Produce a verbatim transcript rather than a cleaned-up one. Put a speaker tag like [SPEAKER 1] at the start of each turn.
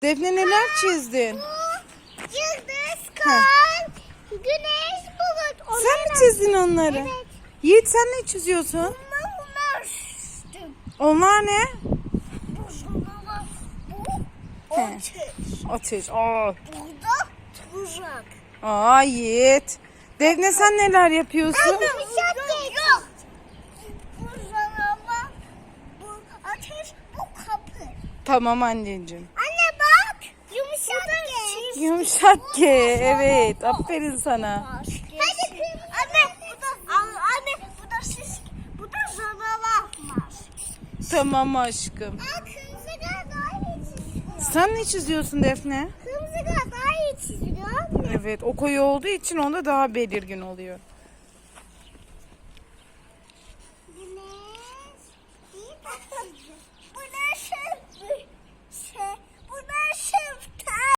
[SPEAKER 1] Defne neler çizdin?
[SPEAKER 2] Yıldız, kar, güneş, bulut.
[SPEAKER 1] Sen mi çizdin onları?
[SPEAKER 2] Evet.
[SPEAKER 1] Yiğit sen ne çiziyorsun?
[SPEAKER 2] Bunlar bunlar çizdim.
[SPEAKER 1] Onlar ne?
[SPEAKER 2] Bu zanalar, bu
[SPEAKER 1] He.
[SPEAKER 2] ateş.
[SPEAKER 1] Ateş. Aa.
[SPEAKER 2] Burada tuzak.
[SPEAKER 1] Aa Yiğit. Defne sen neler yapıyorsun?
[SPEAKER 2] Yumuşak yok. Bu zanalar, bu ateş, bu kapı.
[SPEAKER 1] Tamam anneciğim.
[SPEAKER 2] Anne bak. Yumuşak geç.
[SPEAKER 1] Yumuşak G. Evet. Aferin sana.
[SPEAKER 2] Hadi kırmızı. Anne bu da anne bu da şiş. Bu da zanalar var.
[SPEAKER 1] Tamam aşkım.
[SPEAKER 2] Aa, kırmızı gel daha iyi çiziyor.
[SPEAKER 1] Sen ne çiziyorsun Defne?
[SPEAKER 2] Kırmızı gel daha iyi çiziyor.
[SPEAKER 1] Evet. O koyu olduğu için onda daha belirgin oluyor.